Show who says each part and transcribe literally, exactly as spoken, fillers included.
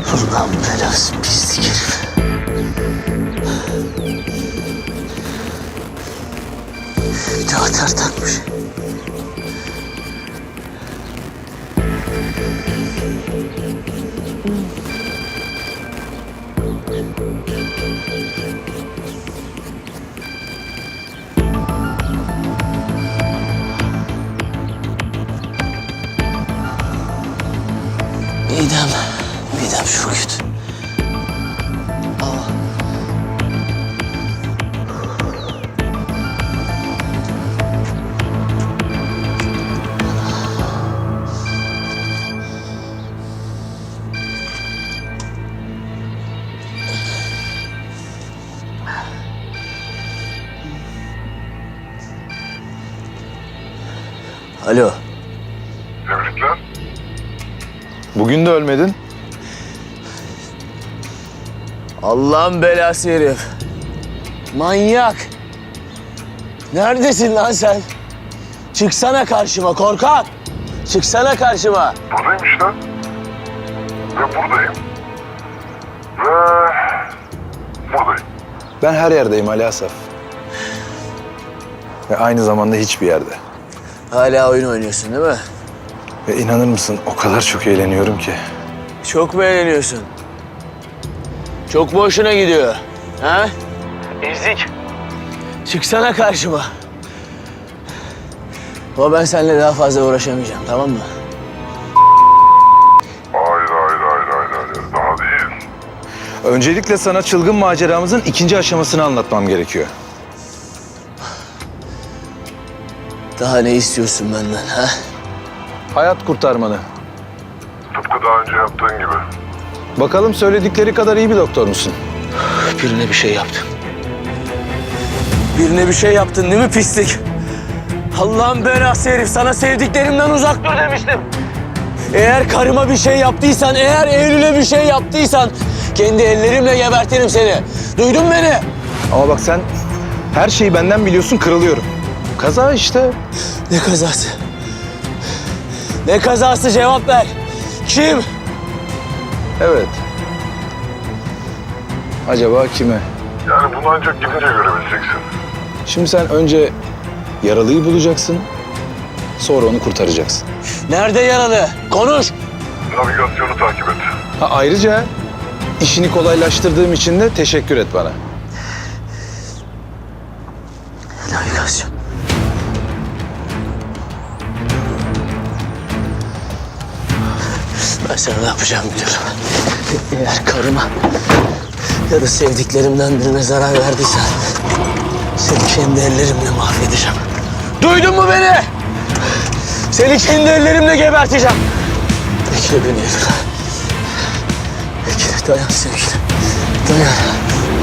Speaker 1: Allah'ın belası pislik herif. Bir de atar takmış. Midem, midem çok kötü. Aa. Alo.
Speaker 2: Tebrikler.
Speaker 3: Bugün de ölmedin.
Speaker 1: Allah'ın belası herif. Manyak. Neredesin lan sen? Çıksana karşıma korkak. Çıksana karşıma.
Speaker 2: Buradayım işte. Ve buradayım. Ve buradayım.
Speaker 3: Ben her yerdeyim Ali Asaf. Ve aynı zamanda hiçbir yerde.
Speaker 1: Hala oyun oynuyorsun değil mi?
Speaker 3: Ve inanır mısın o kadar çok eğleniyorum ki.
Speaker 1: Çok mu eğleniyorsun? Çok mu hoşuna gidiyor? Ha? Ezik. Çıksana karşıma. Ama ben seninle daha fazla uğraşamayacağım, tamam mı?
Speaker 2: Hayır hayır hayır hayır hayır. Daha değil.
Speaker 3: Öncelikle sana çılgın maceramızın ikinci aşamasını anlatmam gerekiyor.
Speaker 1: Daha ne istiyorsun benden, ha?
Speaker 3: Hayat kurtarmanı.
Speaker 2: Tıpkı daha önce yaptığın gibi.
Speaker 3: Bakalım söyledikleri kadar iyi bir doktor musun?
Speaker 1: Birine bir şey yaptın. Birine bir şey yaptın değil mi pislik? Allah'ın belası herif, sana sevdiklerimden uzak dur demiştim. Eğer karıma bir şey yaptıysan, eğer Eylül'e bir şey yaptıysan kendi ellerimle gebertirim seni. Duydun beni?
Speaker 3: Ama bak sen her şeyi benden biliyorsun, kırılıyorum. Kaza işte.
Speaker 1: Ne kazası? Ne kazası, cevap ver. Kim?
Speaker 3: Evet. Acaba kime?
Speaker 2: Yani bunu ancak gidince görebileceksin.
Speaker 3: Şimdi sen önce yaralıyı bulacaksın, sonra onu kurtaracaksın.
Speaker 1: Nerede yaralı? Konuş.
Speaker 2: Navigasyonu takip et.
Speaker 3: Ha, ayrıca işini kolaylaştırdığım için de teşekkür et bana.
Speaker 1: Navigasyon. Ben sana ne yapacağım biliyorum. Eğer karıma ya da sevdiklerimden birine zarar verdiysen seni kendi ellerimle mahvedeceğim. Duydun mu beni? Seni kendi ellerimle geberteceğim. Bekle beni Eylül. Bekle, dayan sevgilim. Dayan.